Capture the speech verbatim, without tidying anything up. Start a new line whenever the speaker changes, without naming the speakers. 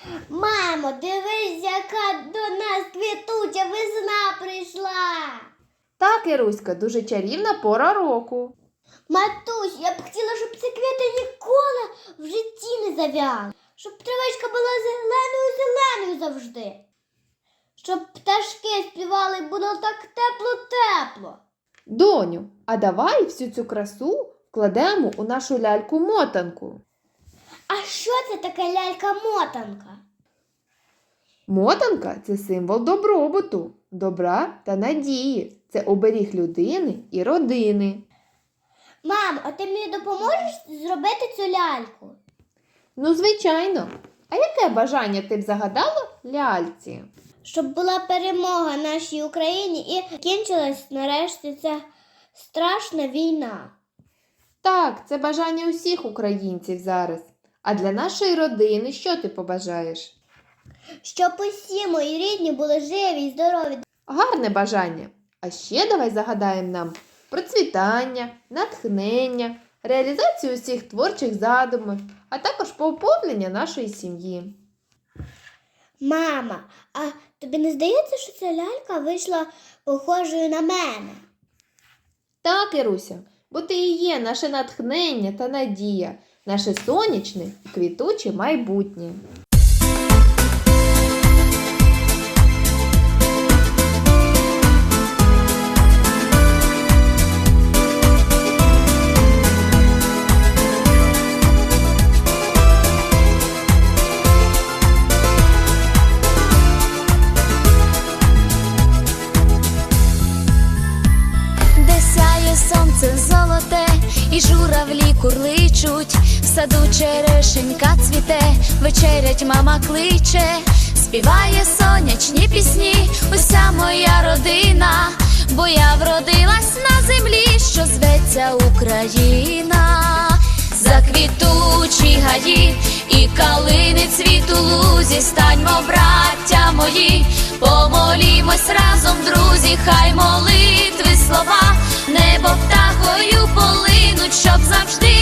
Мамо, дивись, яка до нас квітуча весна прийшла.
Так, Іруська, дуже чарівна пора року.
Матусь, я б хотіла, щоб ці квіти ніколи в житті не зав'яли. Щоб травичка була зеленою-зеленою завжди. Щоб пташки співали і було так тепло-тепло.
Доню, а давай всю цю красу вкладемо у нашу ляльку-мотанку.
А що це таке лялька-мотанка?
Мотанка – це символ добробуту, добра та надії. Це оберіг людини і родини.
Мам, а ти мені допоможеш зробити цю ляльку?
Ну, звичайно. А яке бажання ти б загадала ляльці?
Щоб була перемога нашій Україні і кінчилась нарешті ця страшна війна.
Так, це бажання усіх українців зараз. А для нашої родини що ти побажаєш?
Щоб усі мої рідні були живі і здорові.
Гарне бажання. А ще давай загадаємо нам процвітання, натхнення, реалізацію усіх творчих задумів, а також поповнення нашої сім'ї.
Мама, а тобі не здається, що ця лялька вийшла похожою на мене?
Так, Іруся, бо ти і є наше натхнення та надія, наше сонячне і квітуче майбутнє.
Сонце золоте і журавлі курличуть, в саду черешенька цвіте, вечерять мама кличе, співає сонячні пісні уся моя родина, бо я вродилась на землі, що зветься Україна. Заквітучі гаї і калини цвіт у лузі, станьмо, браття мої, помолімось разом, друзі, хай молитви слова небо птахою полинуть, щоб завжди